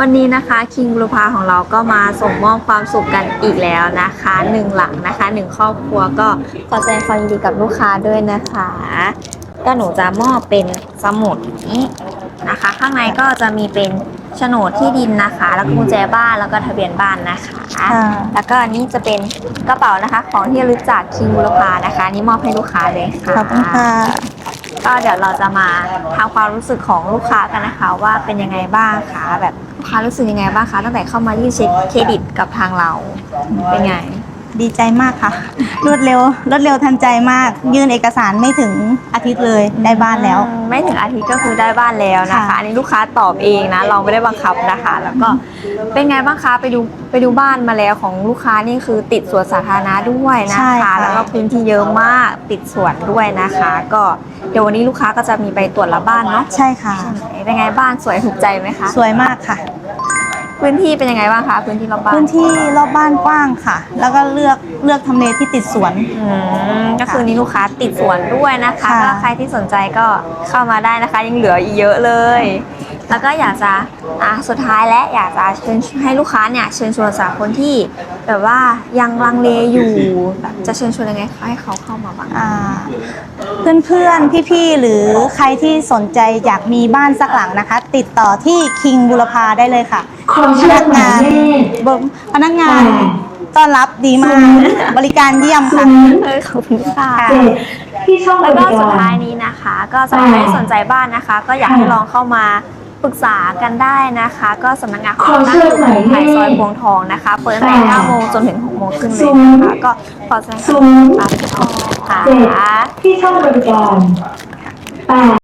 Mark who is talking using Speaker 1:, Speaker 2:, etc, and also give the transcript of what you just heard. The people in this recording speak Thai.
Speaker 1: วันนี้นะคะคิงบุรพาของเราก็มาส่งมอบความสุขกันอีกแล้วนะคะ1 หลังนะคะ1 ครอบครัวก็ขอแสดงความยินดีกับลูกค้าด้วยนะคะก็หนูจะมอบเป็นสมุดนี้นะคะข้างในก็จะมีเป็นโฉนดที่ดินนะคะแล้วก็กุญแจบ้านแล้วก็ทะเบียนบ้านนะคะแล้วก็อันนี้จะเป็นกระเป๋านะคะของที่ระลึกจากคิงบุรพานะคะนี่มอบให้ลูกค้าเลยค่ะ
Speaker 2: ขอบคุณค่ะ
Speaker 1: ก็เดี๋ยวเราจะมาทำความรู้สึกของลูกค้ากันนะคะว่าเป็นยังไงบ้างคะแบบลูกค้ารู้สึกยังไงบ้างคะตั้งแต่เข้ามายื่นเช็คเครดิตกับทางเราเป็นไง
Speaker 2: ดีใจมากค่ะรวดเร็วทันใจมากยื่นเอกสารไม่ถึงอาทิตย์เลยได้บ้านแล้ว
Speaker 1: ไม่ถึงอาทิตย์ก็คือได้บ้านแล้วนะคะอันนี้ลูกค้าตอบเองนะเราไม่ได้บังคับนะคะแล้วก็เป็นไงบ้างคะไปดูบ้านมาแล้วของลูกค้านี่คือติดสวนสาธารณะด้วยนะคะแล้วก็พื้นที่เยอะมากติดสวนด้วยนะคะก็เดี๋ยววันนี้ลูกค้าก็จะมีไปตรวจรับบ้านเนาะ
Speaker 2: ใช่ค่ะ
Speaker 1: เป็นไงบ้านสวยถูกใจไหมคะ
Speaker 2: สวยมากค่ะ
Speaker 1: พื้นที่เป็นยังไงบ้างคะพื้นที่รอบบ้าน
Speaker 2: พื้นที่รอบบ้านกว้างค่ะแล้วก็เลือกทำเลที่ติดสวน
Speaker 1: ก็คือนี้ลูกค้าติดสวนด้วยนะคะก็ใครที่สนใจก็เข้ามาได้นะคะยังเหลืออีกเยอะเลยแล้วก็อยากจะสุดท้ายและอยากจะเชิญให้ลูกค้าเนี่ยเชิญชวนสำหรับคนที่แบบว่ายังลังเลอยู่แบบจะเชิญชวนยังไงให้เขาเข้ามาบ้าง
Speaker 2: เพื่อนพี่ๆหรือใครที่สนใจอยากมีบ้านสักหลังนะคะติดต่อที่คิงบุรพาได้เลยค่ะพนักงานต้อนรับดีมากบริการเยี่ยมค่ะ
Speaker 1: ขอบคุณค่ะแล้วก็สุดท้ายนี้นะคะก็สำหรับใครที่สนใจบ้านนะคะก็อยากให้ลองเข้ามาปรึกษากันได้นะคะก็สำนักงานของเราตั้งอยู่ที่ภายซอยพวงทองนะคะเปิดตั้งแต่ 9 โมงจนถึง 6 โมงครึ่งเลยนะคะก็ขอแสดงความยินดีค่ะ
Speaker 3: ที่ช่องบริการ